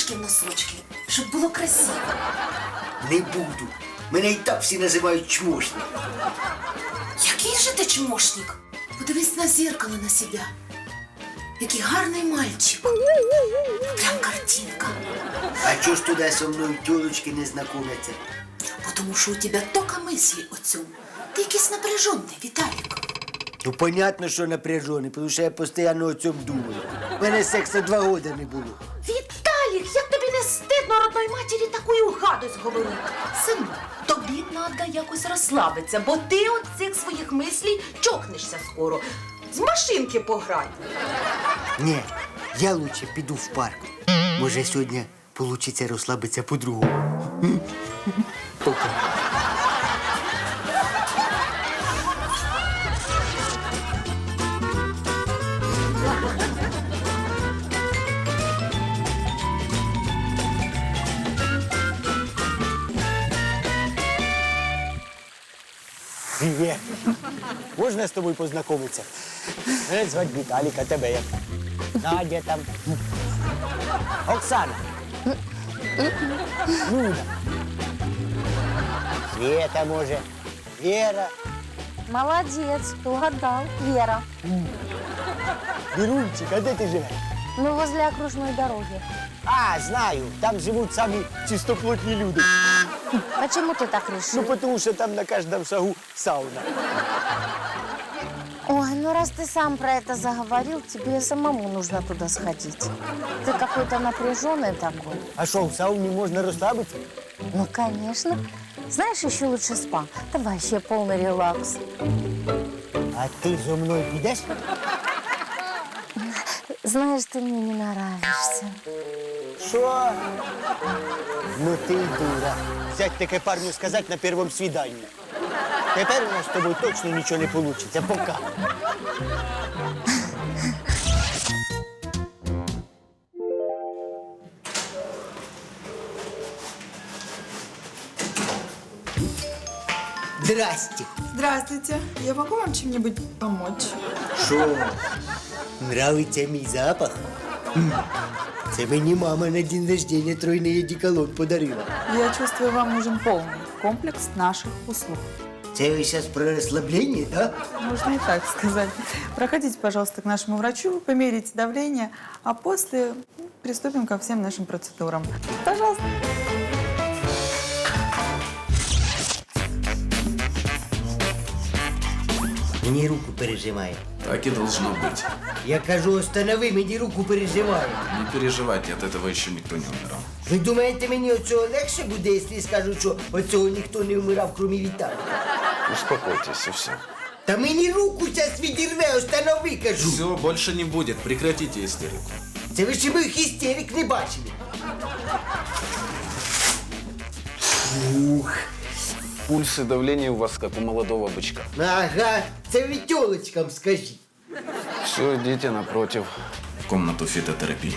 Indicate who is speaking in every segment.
Speaker 1: в носочки, щоб було красиво.
Speaker 2: Не буду. Мене і так всі називають чмошник.
Speaker 1: Який же ти чмошник? Подивись на зеркало на себе. Який гарний мальчик. Прям картинка.
Speaker 2: А чого ж туди со мною тілочки не знайомляться?
Speaker 1: Потому що у тебе тільки мислі о цьому. Ти якийсь напряжений, Віталік.
Speaker 2: Ну, понятно, що напряжений, тому що я постійно о цьому думаю. У мене сексу 2 роки не було.
Speaker 1: Віталік, як тобі не стидно родної матері таку гадость говорити? Сину, тобі треба якось розслабитися, бо ти от цих своїх мислій чокнешся скоро. З машинки пограй.
Speaker 2: Ні, я лучше піду в парк. Може, сьогодні вийде розслабитися по-другому. Пока.
Speaker 3: Привет. Можна з тобою познайомитися? Мене звати Віталік, а тебе як? Надя там. Оксана. Люда. Света, може. Вера.
Speaker 4: Молодец, угадал. Вера.
Speaker 3: Вірунчик, а де ти живеш?
Speaker 4: Ну, возле окружной дороги.
Speaker 3: А, знаю, там живуть самі чистоплотні люди.
Speaker 4: Почему ты так решил?
Speaker 3: Ну, тому що там на кожному шагу сауна.
Speaker 4: Ой, ну раз ты сам про это заговорил, тебе самому нужно туда сходить. Ты какой-то напряженный такой.
Speaker 3: А що, в сауні можна розслабитися?
Speaker 4: Ну, конечно. Знаешь, еще лучше спа. Там вообще полный релакс.
Speaker 3: А ти зо мною підеш?
Speaker 4: Знаешь, ты мне не нравишься.
Speaker 3: Що? Ну ти дура. Взять таке парню сказати на першому свіданні. Тепер у нас з тобою точно нічого не вийде. Пока.
Speaker 2: Здрасте.
Speaker 5: Здравствуйте. Я могу вам чем-нибудь помочь?
Speaker 2: Що? Нравиться мій запах? Це мені мама на день рождения тройний одеколон подарила.
Speaker 5: Я чувствую, вам нужен полный комплекс наших услуг.
Speaker 2: Це ви зараз про розслаблення, да?
Speaker 5: Можно и так сказать. Проходите, пожалуйста, к нашему врачу, померите давление, а после приступим ко всем нашим процедурам. Пожалуйста.
Speaker 2: Мені руку пережимає.
Speaker 6: Так и должно быть.
Speaker 2: Я кажу, останови, мені руку пережимає.
Speaker 6: Не переживайте, от этого еще никто не умирал.
Speaker 2: Ви думаєте, мені оцього легше буде, якщо скажу, що оцього ніхто не вмирав, крім Віталія?
Speaker 6: Успокойтесь, и все.
Speaker 2: Та мені руку зараз відірве, останови, кажу.
Speaker 6: Все, больше не будет. Прекратите истерику.
Speaker 2: Це ви ще моїх істерик не бачили. Ух.
Speaker 6: Пульс и давление у вас как у молодого бычка.
Speaker 2: Ага, це ви тьолочкам скажіть.
Speaker 6: Все, идите напротив, в комнату фитотерапии.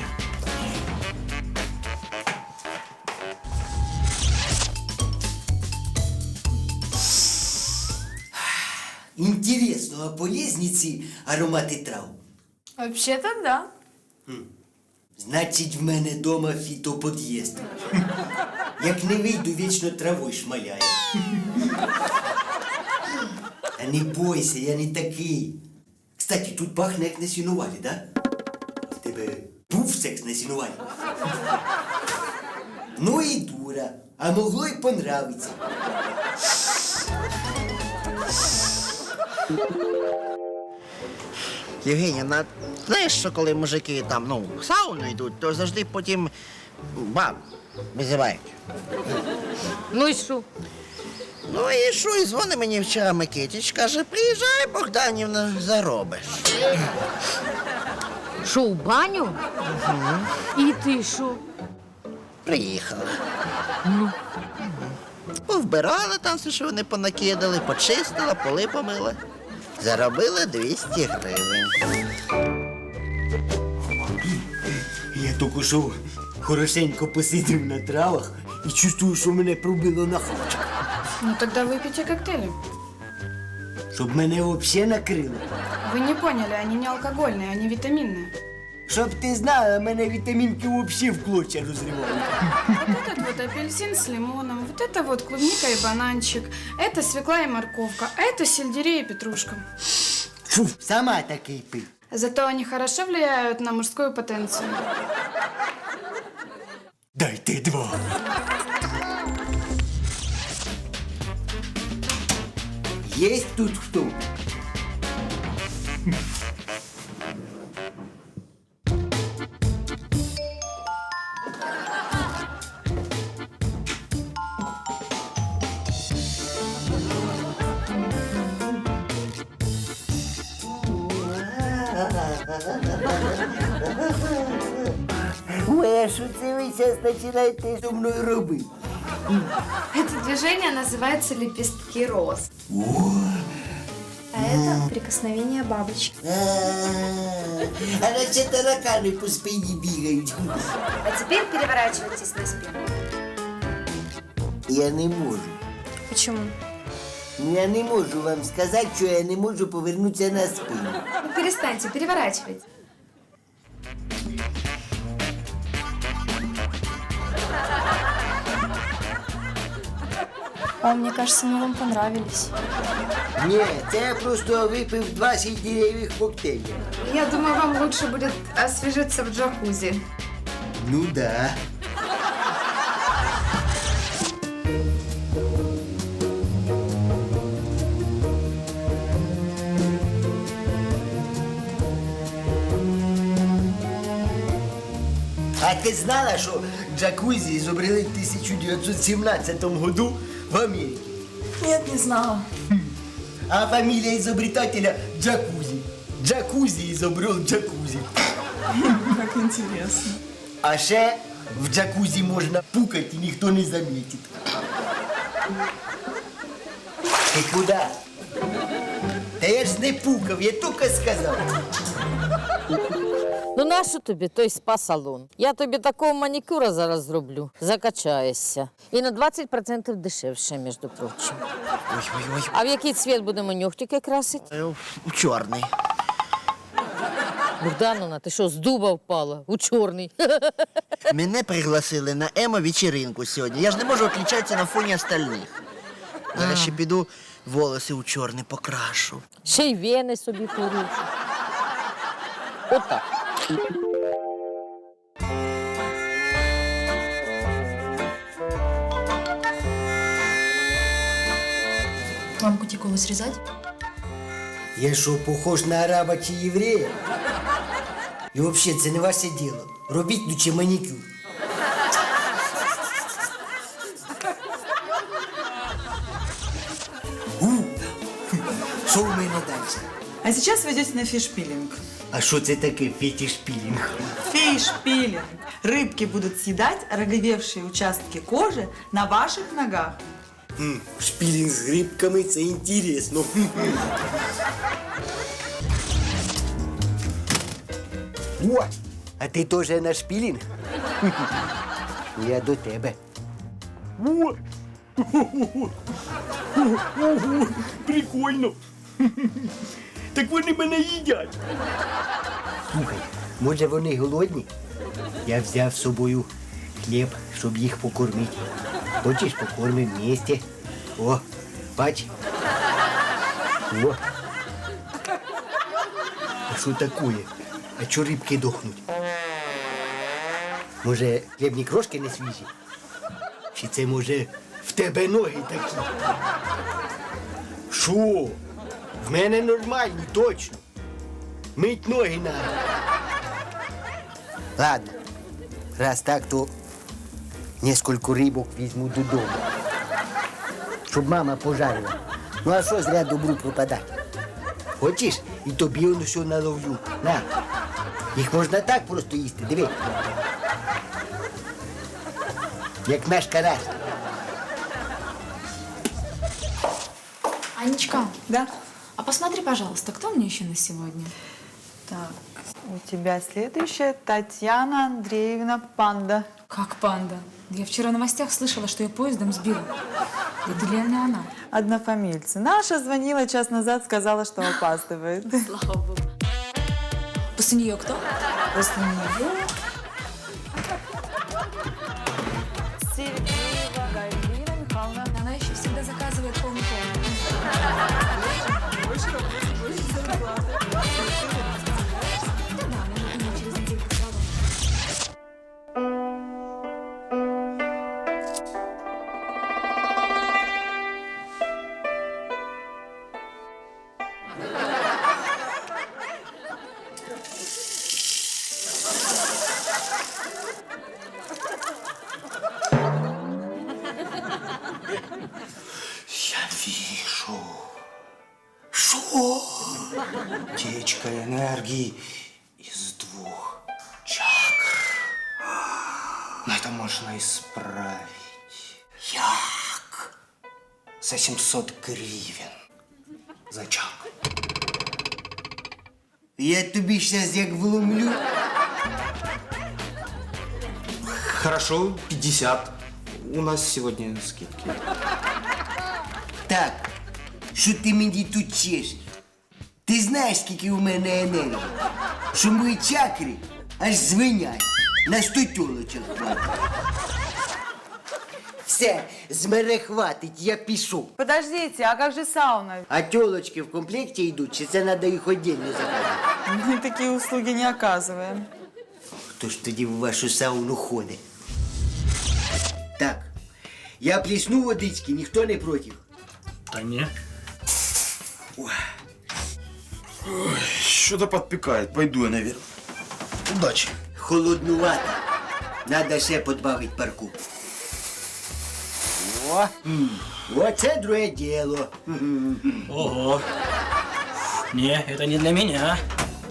Speaker 2: Інтересно, а полезні ці аромати трав?
Speaker 5: Вообще-то да.
Speaker 2: Значить, в мене дома фітопод'їзд. Як не вийду, вічно травою шмаляє. А не бойся, я не такий. Кстати, тут пахне як на сінувалі, да? В тебе був секс на сінувалі? Ну і дура, а могло й понравиться.
Speaker 7: Євгенія, знаєш, що коли мужики там, в сауну йдуть, то завжди потім баб визивають.
Speaker 4: Ну и что?
Speaker 7: Ну і що, і дзвонить мені вчора Микитич, каже, приїжджай, Богданівна, заробиш.
Speaker 4: Шо, в баню? И ты шо?
Speaker 7: Приїхала. Повбирала там все, що вони понакидали, почистила, поли помила. Заробила 200 гривень.
Speaker 2: Я тільки що хорошенько посидів на травах і чувствую, що мене пробило на хавчик.
Speaker 8: Ну тогда выпейте коктейли.
Speaker 2: Щоб мене взагалі накрило.
Speaker 8: Вы не поняли, они не алкогольные, они витаминные.
Speaker 2: Щоб ти знала, мене вітамінки взагалі в клочья розривають.
Speaker 8: Вот этот вот апельсин с лимоном, вот это вот клубника и бананчик, это свекла и морковка, а это сельдерей и петрушка.
Speaker 2: Фу, сама такий пий.
Speaker 8: Зато они хорошо влияют на мужскую потенцию.
Speaker 2: Дайте 2. Есть тут хто? Ой, а що це ви зараз починаєте зі мною робити?
Speaker 9: Это движение называется лепестки роз. А это прикосновение бабочки.
Speaker 2: А наче таракани по спині бігають.
Speaker 9: А теперь переворачивайтесь на спину.
Speaker 2: Я не можу.
Speaker 9: Почему?
Speaker 2: Я не можу вам сказати, що я не можу повернутися на спину.
Speaker 9: Ну перестаньте, переворачивайте. О, мне кажется, мы вам понравились.
Speaker 2: Ні, це я просто випив 2 сельдереевых коктейля.
Speaker 9: Я думаю, вам лучше будет освежиться в джакузи.
Speaker 2: Ну да. А ти знала, що джакузі изобрели в 1917 году в Америке?
Speaker 1: Нет, не знала.
Speaker 2: А фамилия изобретателя Джакузи. Джакузи изобрел джакузи.
Speaker 5: Как интересно.
Speaker 2: А ще в джакузі можна пукать і ніхто не замітить. Ти куди? Та я ж не пукав, я тільки сказав.
Speaker 10: Ну нащо тобі той спа-салон? Я тобі такого манікюра зараз зроблю. Закачаєшся. І на 20% дешевше, між прочим.
Speaker 7: Ой-ой-ой.
Speaker 10: А в який цвіт будемо нюхтики красити?
Speaker 7: У чорний.
Speaker 10: Богдановна, ти що, з дуба впала? У чорний.
Speaker 7: Мене пригласили на емо-вечеринку сьогодні. Я ж не можу відлічатися на фоні остальних. Зараз ще піду волоси у чорний покрашу.
Speaker 10: Ще й вени собі порушу. Отак.
Speaker 1: Вам кутикулу срезать?
Speaker 2: Я що, похож на араба чи єврея? І взагалі, це не ваше діло. Робіть лучше манікюр. Що в мене далі?
Speaker 5: А сейчас вы идете на фиш-пилинг.
Speaker 2: А що це таке фетиш-пілінг?
Speaker 5: Фиш-пилинг. Рыбки будут съедать роговевшие участки кожи на ваших ногах.
Speaker 2: Шпілінг з грибками – це інтересно. О, а ти теж на шпілінг? Я до тебе. О! Ого, прикольно. Так вони мене їдять. Слухай, може вони голодні? Я взяв з собою хліб, щоб їх покормити. Хочеш, покормимо вместе? О, бач. О. А що такое? А чо рибки дохнуть? Може, хлібні крошки не свіжі? Чи це, може, в тебе ноги такі? Що? В мене нормальні, точно. Мить ноги надо. Ладно, раз так, то несколько рибок візьму додому. Щоб мама пожарила. Ну а що зря добру пропадати? Хочеш? І тобі воно все наловлю. На. Їх можна так просто їсти, диви. Як наш карась.
Speaker 8: Анечка,
Speaker 5: Да?
Speaker 8: а посмотри, пожалуйста, кто мне еще на сегодня?
Speaker 5: Так, у тебя следующая Татьяна Андреевна Панда.
Speaker 8: Как панда? Я вчера в новостях слышала, что ее поездом сбила. Это реально она.
Speaker 5: Однофамильцы. Наша звонила час назад, сказала, что опаздывает.
Speaker 8: Слава богу. После нее кто?
Speaker 5: После нее Сергеева Галина Михайловна.
Speaker 9: Она еще всегда заказывает полный комнат.
Speaker 5: Больше работы, больше зарплаты.
Speaker 3: Я вижу. Что? Течка энергии из 2 чакр. Но это можно исправить. Як? За 700 гривен. За чакру.
Speaker 2: Я тобі щас як вломлю.
Speaker 3: Хорошо, 50. У нас сегодня скидки.
Speaker 2: Так, що ти мені тут чешеш? Ти знаєш, скільки у мене енергії? Що мої чакри аж звенять. На 100 тілочок хватить. Все, з мене хватить, я пішов.
Speaker 5: Подождите, а как же сауна?
Speaker 2: А тілочки в комплекті йдуть, чи це треба їх віддільно заказати?
Speaker 5: Мы такие услуги не оказываем.
Speaker 2: Хто ж тоді в вашу сауну ходить? Так, я плесну водички, ніхто не проти.
Speaker 3: Да не.
Speaker 6: Что-то подпекает. Пойду я наверх. Удачи.
Speaker 2: Холоднувато. Надо ще подбавити парку. О, оце друге діло.
Speaker 3: Ого. Не, это не для меня.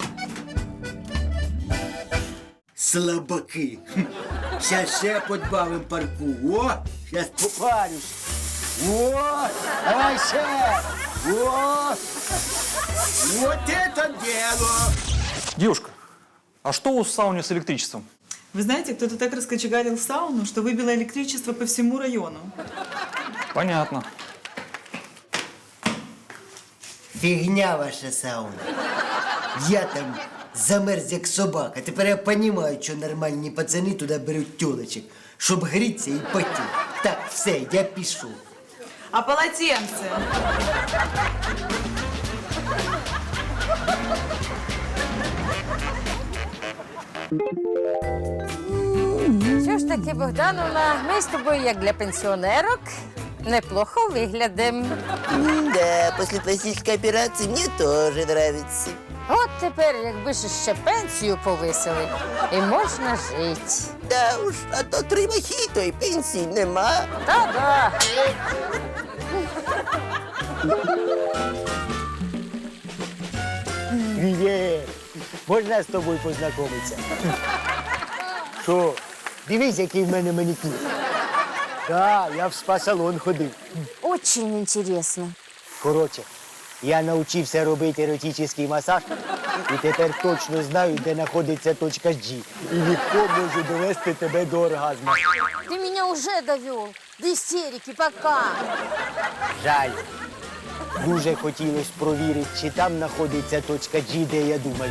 Speaker 2: Слабаки. Щас ще подбавим парку. О, щас попарюсь. О, давай ще. О, вот это дело.
Speaker 11: Девушка, а что у сауны с электричеством?
Speaker 5: Вы знаете, кто-то так раскочегарил сауну, что выбило электричество по всему району.
Speaker 11: Понятно.
Speaker 2: Фігня ваша сауна. Я там замерз як собака. Тепер я розумію, що нормальні пацани туди беруть тілочок, щоб грітися і потіти. Так, все, я пішов.
Speaker 5: А полотенце?
Speaker 10: Що ж таки, Богдановна, ми з тобою, як для пенсіонерок, неплохо виглядимо.
Speaker 7: Да, после пластической операции мне тоже нравится.
Speaker 10: От тепер, якби ж ще пенсію повисили, і можна жити.
Speaker 7: Да уж, а то 3 мохито і пенсії нема.
Speaker 10: Та-да.
Speaker 2: Привіт! Можна з тобою познайомитися? Що? Дивись, який в мене манікюр. Так, я в спа-салон ходив.
Speaker 4: Очень интересно.
Speaker 2: Коротше, я навчився робити еротичний масаж і тепер точно знаю, де знаходиться точка G. І легко можу довести тебе до оргазму.
Speaker 10: Ты меня уже довел до истерики, пока.
Speaker 2: Жаль. Дуже хотілося провірити, чи там знаходиться точка G, де я думаю.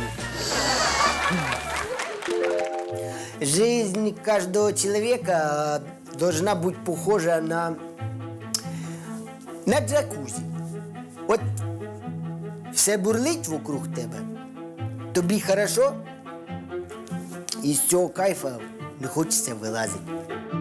Speaker 2: Жизнь каждого человека должна быть похожа на джакузі. От все бурлить вокруг тебе, тобі хорошо, і з цього кайфа не хочеться вилазити.